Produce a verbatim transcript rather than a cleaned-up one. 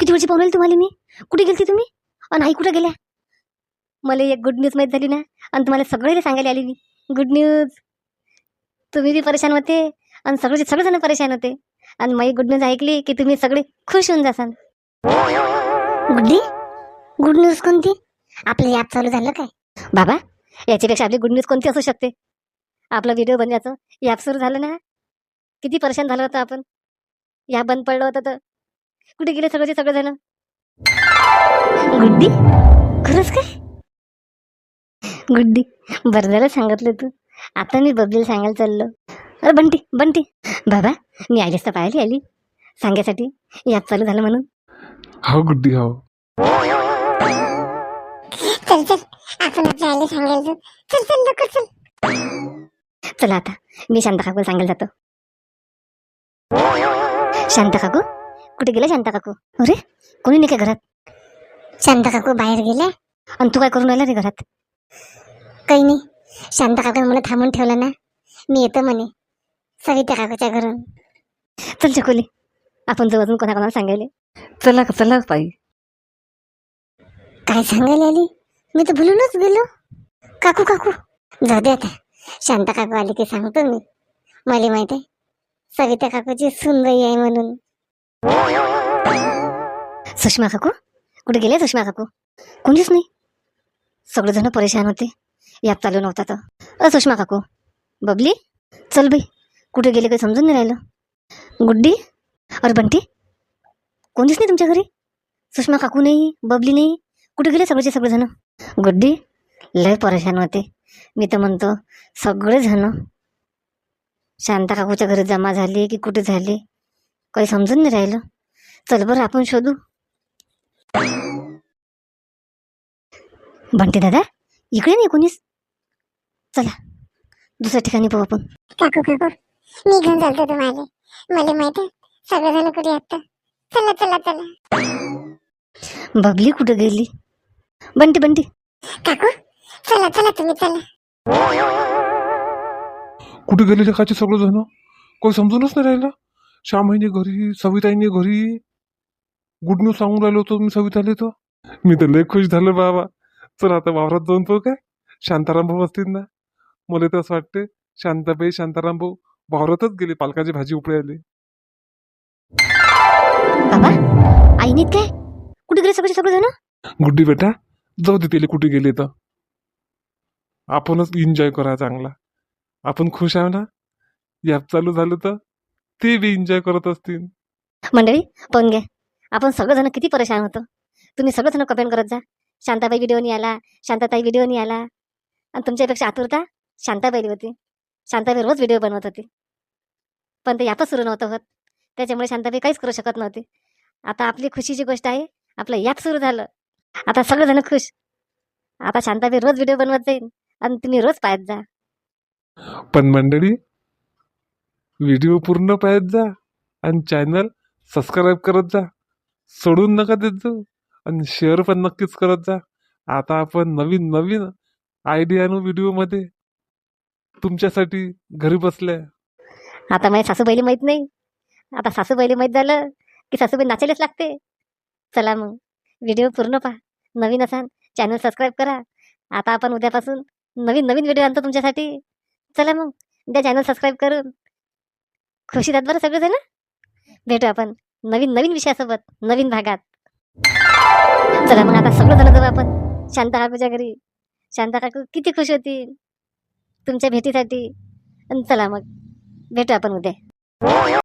किती वेळची पाहून राहिली तुम्हाला मी? कुठे गेलती तुम्ही? आणि आई कुठे गेल्या? मला एक गुड न्यूज माहीत झाली ना, आणि तुम्हाला सगळे सांगायला आली मी गुड न्यूज. तुम्ही बी परेशान होते आणि सगळेचे सगळेजण परेशान होते, आणि माझी गुड न्यूज ऐकली की तुम्ही सगळे खुश होऊन जासाल. गुड्डी, गुड न्यूज कोणती? आपलं ॲप चालू झालं काय? बाबा, याच्यापेक्षा आपली गुड न्यूज कोणती असू शकते? आपला व्हिडिओ बनवायचं ॲप सुरू झालं ना. किती परेशान झालं होतं आपण, ॲप बंद पडलं होतं तर कुठे गेले सगळेचे सगळेजण? गुड्डी, खरंच काय? गुड्डी, बरं झालं सांगितलं तू. आता मी बबलीला सांगायला चाललो. अरे बंटी बंटी, बाबा मी आलीच तर पाहिली आली सांगायसाठी ॲप चालू झालं म्हणून. हो गुड्डी हो. चल चल, आपण आपल्या आईला सांगायला जाऊ. चल चल लवकर चल. चला आता मी शांता काकूला सांगायला जातो. शांता काकू, कुठे गेला शांता काकू? अरे कोणी नाही का घरात? शांता काकू बाहेर गेल्या. आणि तू काय करून राहिला रे घरात? काही नाही, शांता काकूने मला थांबून ठेवलं ना, मी येतो म्हणे सविता काकूच्या घरून. चल चकोली, आपण जाऊ अजून कोणाकोणाला सांगायला. चला चला ताई. काय सांगायला आली? मी तर भुलूनच गेलो. काकू काकू, जाऊ दे आता. शांता काकू आली की सांगतो मी. मला माहित आहे सविता काकूची सुनबाई आहे म्हणून. सुषमा काकू, कुठे गेले सुषमा काकू? कोणीच नाही, सगळेजण परेशान होते, ॲप चालू नव्हता तर. अ सुषमा काकू, बबली चल बाई, कुठे गेले काही समजून नाही राहिलं. गुड्डी, अरे बंटी, कोणीच नाही तुमच्या घरी? सुषमा काकू नाही, बबली नाही, कुठे गेले सगळेचे सगळेजण? गुड्डी, लय परेशान होते. मी तर म्हणतो सगळेजण शांता काकूच्या घरी जमा झाले की कुठे झाले काही समजून नाही राहिलं. चल बरं आपण शोधू. बंटी दादा, इकडे नाही कोणीच. चला दुसऱ्या ठिकाणी पाहू आपण. काकू काकू, मी घेऊन चालतो तुम्हाला. मला माहित आहे सगळेजण कुठे आहेत. चला चला चला. बबली कुठे गेली? बंटी बंटी, काकू चला चला, तुम्ही चला. कुठे गेलेले काचे सगळेजण? काही समजूनच नाही राहिलं. श्यामाईने घरी, सविताईने घरी. गुड न्यूज सांगून राहिलो होतो मी सविताले. तर मी तर लय खुश झालो बाबा. चल आता वावरात जाऊन तो काय शांताराम भाऊ असतील ना. मला तर असं वाटते शांताबाई शांताराम भाऊ वावरातच गेले पालकाची भाजी उपडायले. बाबा आई नाहीत काय? कुठे गेले सगळे सगळेजण? गुड्डी बेटा, जाऊ दे त्याला कुठे गेले तर. आपणच एन्जॉय करा चांगला. आपण खुश आहो ना. ॲप चालू झालं तर ते बी एन्जॉय करत असतील. मंडळी पण घ्या, आपण सगळेजण किती परेशान होतो. तुम्ही सगळेजण कमेंट करत जा, शांताबाई व्हिडिओ नाही आला, शांताताई व्हिडिओ नाही आला. आणि तुमच्यापेक्षा आतुरता शांताबाई होती. शांताबाई रोज व्हिडिओ बनवत होती, पण ते ॲपच सुरू नव्हतं होत, त्याच्यामुळे शांताबाई काहीच करू शकत नव्हती. आता आपली खुशीची गोष्ट आहे, आपलं ॲप सुरू झालं, आता सगळेजण खुश. आता शांताबाई रोज व्हिडिओ बनवत जाईल आणि तुम्ही रोज पाहत जा. पण मंडळी, व्हिडिओ पूर्ण पाहत जा आणि चॅनल सबस्क्राईब करत जा. सोडून नका देत जाऊ. आणि शेअर पण नक्कीच करत जा. आता आपण नवीन नवीन आयडिया आणू व्हिडिओमध्ये तुमच्यासाठी घरी बसल्या. आता माझ्या सासूबाईला माहीत नाही, आता सासूबाईला माहीत झालं की सासूबाई नाचायलाच लागते. चला मग व्हिडिओ पूर्ण पहा. नवीन असाल चॅनल सबस्क्राईब करा. आता आपण उद्यापासून नवीन नवीन व्हिडिओ आणतो तुमच्यासाठी. चला मग उद्या चॅनल सबस्क्राईब करून खुशी दात बरं सगळेजण. भेटू आपण नवीन नवीन विषयासोबत नवीन भागात. चला मग आता सगळेजण जाऊ आपण शांता काकूच्या घरी. शांता काकू किती खुश होतील तुमच्या भेटीसाठी. आणि चला मग भेटू आपण उद्या.